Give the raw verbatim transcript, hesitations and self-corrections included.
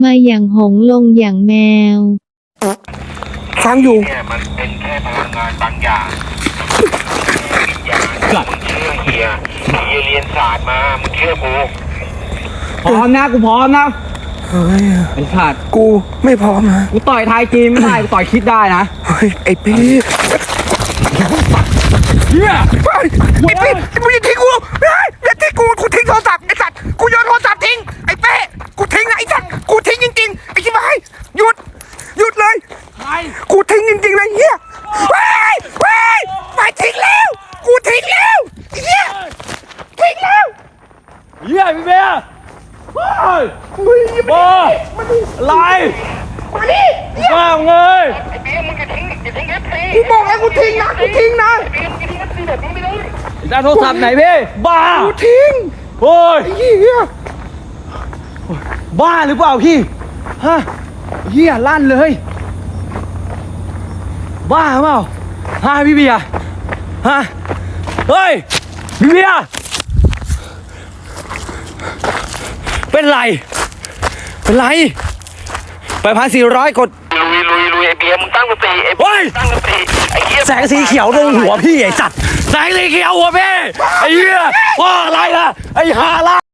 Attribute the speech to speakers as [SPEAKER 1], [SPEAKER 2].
[SPEAKER 1] มาอย่างหงส์ลงอย่างแมว
[SPEAKER 2] ฟังอยู่
[SPEAKER 3] เนี่ยมันเป็นแค่พลังงานบางอย่างวิญญาณมึงเชื่อเฮียเฮียเรียนศาสตร์มามึงเชื่อกู
[SPEAKER 4] พร้อมนะกูพร้อมนะ
[SPEAKER 2] เฮ้ย
[SPEAKER 4] ไอ้ขาด
[SPEAKER 2] กูไม่พร้อมนะ
[SPEAKER 4] กูต่อยไทยจีนไม่ได้กูต่อยคิดได้นะ
[SPEAKER 2] เฮ้ยไอ้ปี
[SPEAKER 4] เฮีย
[SPEAKER 2] ไอ้ปีมึงอย่าทิ้งกูอย่าทิ้งกูกูทิ้งโทรศัพท์ไอ้สัตว์กูโยนโทรศัพท์ทิ้งไอ้เป้กูทิ้งนะไอ้สัตว์กูทิ้งจริงๆไอ้ชิบหายหยุดหยุดเลยกูทิ้งจริงๆเลยเฮียเฮ้ยเฮ้ยไม่ทิ้งแล้วกูทิ้งแล้วเฮียทิ้งแล้ว
[SPEAKER 4] เฮียพี่เบียร์เฮ้ยบ้าอะไร
[SPEAKER 2] มาดิ
[SPEAKER 4] บ้าเงย
[SPEAKER 3] ไอ้เบี้ยมึงจะทิ้งจะทิ้งเอฟซี
[SPEAKER 2] กูบอกแล้วกูทิ้งนะกูทิ้งนะ
[SPEAKER 3] ไอ้เบี้ยมึงจะทิ้งเอฟซีแบบนี้ไม่ได้
[SPEAKER 4] จะโทรศัพท์ไหนพี่บ้า
[SPEAKER 2] กูทิ้ง
[SPEAKER 4] โอ้ย
[SPEAKER 2] เฮีย
[SPEAKER 4] บ้าหรือเปล่าพี่ฮะเฮียลั่นเลยบ้าเปล่าฮะพี่เบียร์ฮะเฮ้ยพี่เบียร์เป็นไรเป็นไรไปพันสี่ร้อยกด
[SPEAKER 3] ลุยลุยลุยไอ้เบี้ยมึงตั้งสติไอ้เบี้ยตั้งสติไอ้เหี้ย
[SPEAKER 4] แสงสีเขียวลงหัวพี่ไอ้สัตว์แสงสีเขียวหัวพี่ไอ้เหี้ยว่าอะไรล่ะไอ้ฮาล่ะ